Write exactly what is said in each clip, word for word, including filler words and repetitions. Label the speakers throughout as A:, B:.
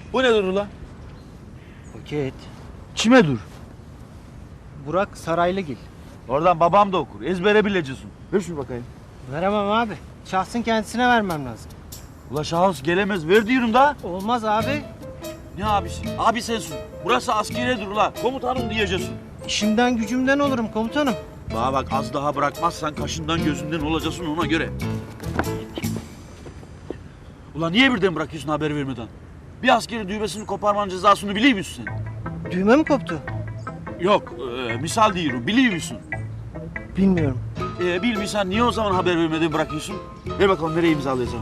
A: Bu nedir ulan?
B: Paket.
A: Kime dur?
B: Burak Saraylıgil.
A: Oradan babam da okur. Ezbere bileceksin. Ver şunu bakayım.
B: Veremem abi. Şahsın kendisine vermem lazım.
A: Ula şahıs gelemez. Ver diyorum da.
B: Olmaz abi.
A: Ne abisi? Abi sensin. Burası askeriyedir ula. Komutanım diyeceksin.
B: İşimden gücümden olurum komutanım.
A: Bana bak, az daha bırakmazsan kaşından gözünden olacaksın, ona göre. Ulan niye birden bırakıyorsun haber vermeden? Bir askeri düğmesini koparmanın cezasını biliyor musun sen?
B: Düğme mi koptu?
A: Yok, e, misal diyorum, biliyor musun?
B: Bilmiyorum.
A: E, bilmiyorsan niye o zaman haber vermeden bırakıyorsun? Ver bakalım, nereye imzalayacağım?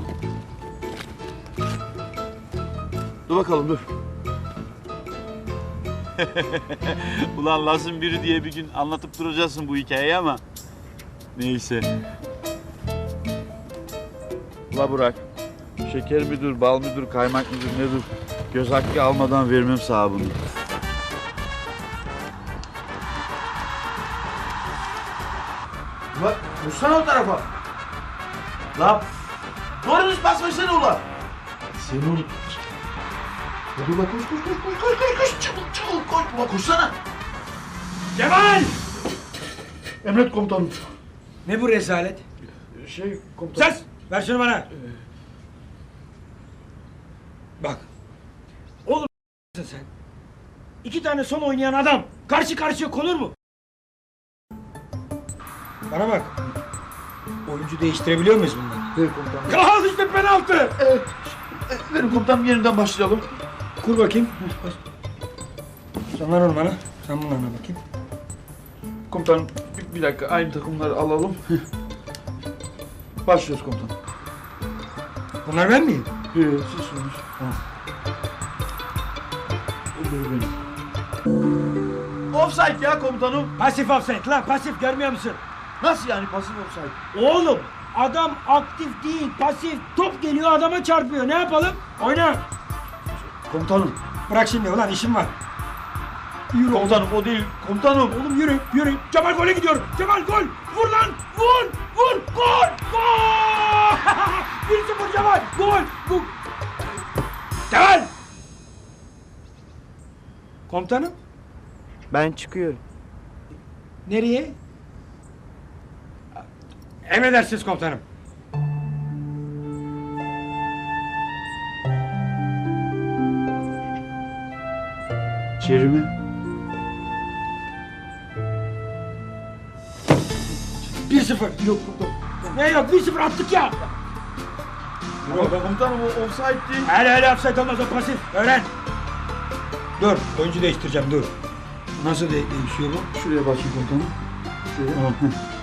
A: Dur bakalım, dur. Ulan lazım biri diye bir gün anlatıp duracaksın bu hikayeyi ama... Neyse. Ula Burak, şeker müdür, bal müdür, kaymak müdür, nedir? Göz hakkı almadan vermem sana bunu. Ulan, vursana o tarafa. Lan, doğru basmasana ulan. Sen onu... Hadi ulan, koş, koş, koş, koş, koş, koş, koş, çabuk, çabuk, koş, ulan koşsana.
C: Cemal!
A: Emret komutanım.
C: Ne bu rezalet?
A: Şey, komutanım.
C: Ses! Ver şunu bana. Bak. Oğlum sen. İki tane son oynayan adam karşı karşıya konur mu? Bana bak. Oyuncu değiştirebiliyor muyuz bunları?
A: Ver komutanım.
C: Al işte penaltı.
A: Evet. Verin komutanım, yeniden başlayalım.
C: Kur bakayım. Sen ver onu bana. Sen bunlarla bakayım.
A: Komutanım, bir, bir dakika, aynı takımları alalım. Başlıyoruz komutanım.
C: Bunlar ben miyim?
A: Ee, siz sorunuz. Öbürü benim. Offside ya komutanım.
C: Pasif offside lan, pasif, görmüyor musun?
A: Nasıl yani pasif offside?
C: Oğlum adam aktif değil, pasif. Top geliyor adama çarpıyor. Ne yapalım? Oyna.
A: Komutanım.
C: Bırak şimdi ulan, işim var. Yürü
A: Komutanım o değil. Komutanım.
C: oğlum, yürü yürü. Cemal gole gidiyor. Cemal gol. Vur lan. Vur. Vur. Gol. Gol. bir sıfır Cemal. Gol. Gol. Cemal. Komutanım.
B: Ben çıkıyorum.
C: Nereye? Emredersiniz komutanım.
A: İçeri mi?
C: bir sıfır. Yok komutanım. Ne yok, bir sıfır attık ya.
A: Ama komutanım o offside değil.
C: Hele hele offside olmaz, o pasif. Öğren. Dur, oyuncu değiştireceğim, dur. Nasıl de değişiyor bu?
A: Şuraya bakayım komutanım. Şuraya.